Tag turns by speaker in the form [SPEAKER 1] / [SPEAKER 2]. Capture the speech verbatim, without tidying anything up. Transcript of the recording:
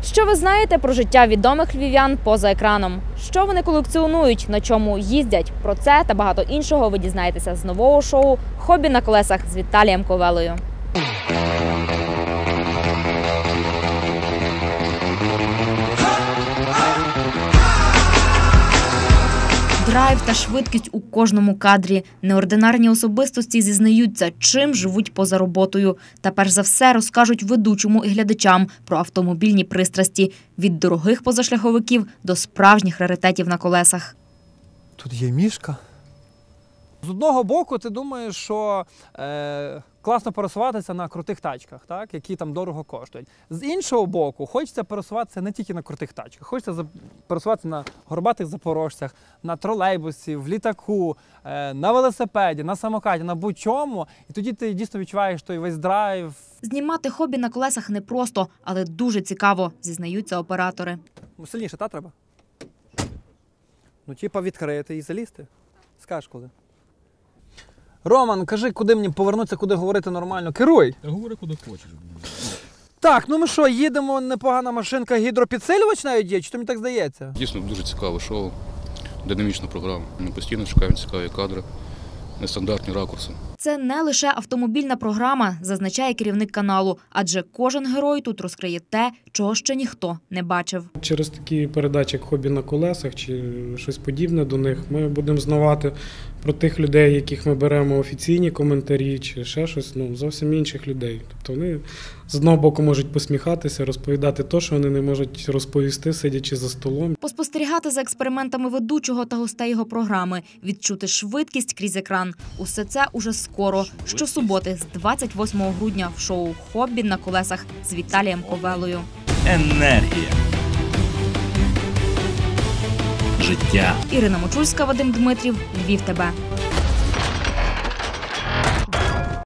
[SPEAKER 1] Що ви знаєте про життя відомих львів'ян поза екраном? Що вони колекціонують, на чому їздять? Про це та багато іншого ви дізнаєтеся з нового шоу «Хобі на колесах» з Віталієм Ковелою. Драйв та швидкість у кожному кадрі. Неординарні особистості зізнаються, чим живуть поза роботою. Та перш за все розкажуть ведучому і глядачам про автомобільні пристрасті. Від дорогих позашляховиків до справжніх раритетів на колесах.
[SPEAKER 2] Тут є мішка. З одного боку ти думаєш, що е, класно пересуватися на крутих тачках, так, які там дорого коштують. З іншого боку, хочеться пересуватися не тільки на крутих тачках, хочеться пересуватися на горбатих запорожцях, на тролейбусі, в літаку, е, на велосипеді, на самокаті, на будь-чому. І тоді ти дійсно відчуваєш той весь драйв.
[SPEAKER 1] Знімати хобі на колесах непросто, але дуже цікаво, зізнаються оператори.
[SPEAKER 2] Ну, сильніше, та, треба? Ну, типа відкрити і залізти. Скажеш коли. Роман, кажи, куди мені повернутися, куди говорити нормально. Керуй!
[SPEAKER 3] Та говори, куди хочеш.
[SPEAKER 2] Так, ну ми що, їдемо, непогана машинка, гідропідсилювач навіть є, чи то мені так здається?
[SPEAKER 3] Дійсно, дуже цікаве шоу, динамічна програма. Ми постійно шукаємо цікаві кадри, нестандартні ракурси.
[SPEAKER 1] Це не лише автомобільна програма, зазначає керівник каналу, адже кожен герой тут розкриє те, чого ще ніхто не бачив.
[SPEAKER 4] Через такі передачі, як «Хобі на колесах» чи щось подібне до них, ми будемо знавати про тих людей, яких ми беремо офіційні коментарі, чи ще щось, ну, зовсім інших людей. Тобто вони з одного боку можуть посміхатися, розповідати те, що вони не можуть розповісти, сидячи за столом.
[SPEAKER 1] Поспостерігати за експериментами ведучого та гостей його програми, відчути швидкість крізь екран. Усе це уже скоро, щосуботи з двадцять восьмого грудня в шоу «Хобі на колесах» з Віталієм Ковелою.
[SPEAKER 5] Енергія. Життя.
[SPEAKER 1] Ірина Мочульська, Вадим Дмитрів, Львів ТБ.